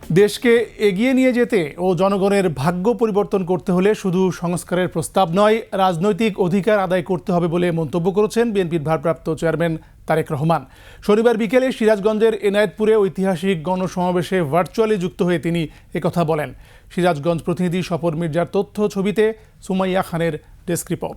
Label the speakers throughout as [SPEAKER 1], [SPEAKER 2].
[SPEAKER 1] দেশকে এগিয়ে নিয়ে যেতে ও জনগণের ভাগ্য পরিবর্তন করতে হলে শুধু সংস্কারের প্রস্তাব নয়, রাজনৈতিক অধিকার আদায় করতে হবে বলে মন্তব্য করেছেন বিএনপির ভারপ্রাপ্ত চেয়ারম্যান তারেক রহমান। শনিবার বিকেলে সিরাজগঞ্জের এনায়েতপুরে ঐতিহাসিক গণসমাবেশে ভার্চুয়ালি যুক্ত হয়ে তিনি একথা বলেন। সিরাজগঞ্জ প্রতিনিধি স্বপন মির্জার তথ্য ছবিতে সুমাইয়া খানের ডেস্ক রিপোর্ট।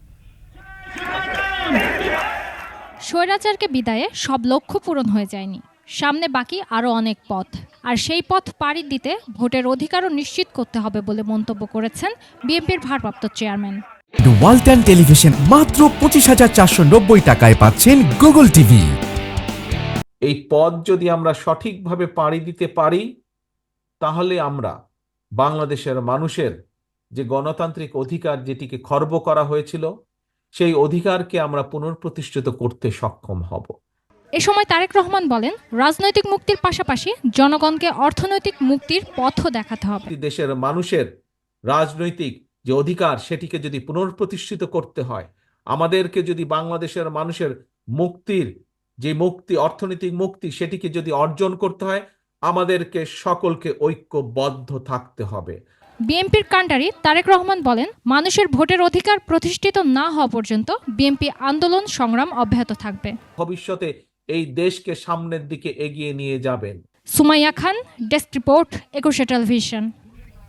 [SPEAKER 2] স্বৈরাচারকে বিদায়ে সব লক্ষ্য পূরণ হয়ে যায়নি, সামনে বাকি আরও অনেক পথ। আর সেই পথ পাড়ি দিতে ভোটের অধিকারও নিশ্চিত করতে হবে বলে মন্তব্য করেছেন বিএনপির ভারপ্রাপ্ত চেয়ারম্যান।
[SPEAKER 3] ওয়ালটন টেলিভিশন মাত্র 25,490 টাকায় পাচ্ছেন গুগল টিভি।
[SPEAKER 4] এই পথ যদি আমরা সঠিকভাবে পাড়ি দিতে পারি, তাহলে আমরা বাংলাদেশের মানুষের যে গণতান্ত্রিক অধিকার যেটিকে খর্ব করা হয়েছিল, সেই অধিকারকে আমরা পুনঃপ্রতিষ্ঠিত করতে সক্ষম হব।
[SPEAKER 2] এ সময় তারেক রহমান বলেন, রাজনৈতিক মুক্তির পাশাপাশি জনগণকে অর্থনৈতিক মুক্তির পথও দেখাতে হবে।
[SPEAKER 4] দেশের মানুষের রাজনৈতিক যে অধিকার সেটিকে যদি পুনঃপ্রতিষ্ঠিত করতে হয়, আমাদেরকে যদি বাংলাদেশের মানুষের মুক্তির যে মুক্তি, অর্থনৈতিক মুক্তি, সেটিকে যদি অর্জন করতে হয়, আমাদেরকে সকলকে ঐক্যবদ্ধ থাকতে হবে।
[SPEAKER 2] বিএনপির কাণ্ডারি তারেক রহমান বলেন, মানুষের ভোটের অধিকার প্রতিষ্ঠিত না হওয়া পর্যন্ত বিএনপি আন্দোলন সংগ্রাম অব্যাহত থাকবে।
[SPEAKER 4] ভবিষ্যতে এই দেশকে সামনের দিকে এগিয়ে নিয়ে যাবেন।
[SPEAKER 2] Sumaiya Khan, desk report, 21 television.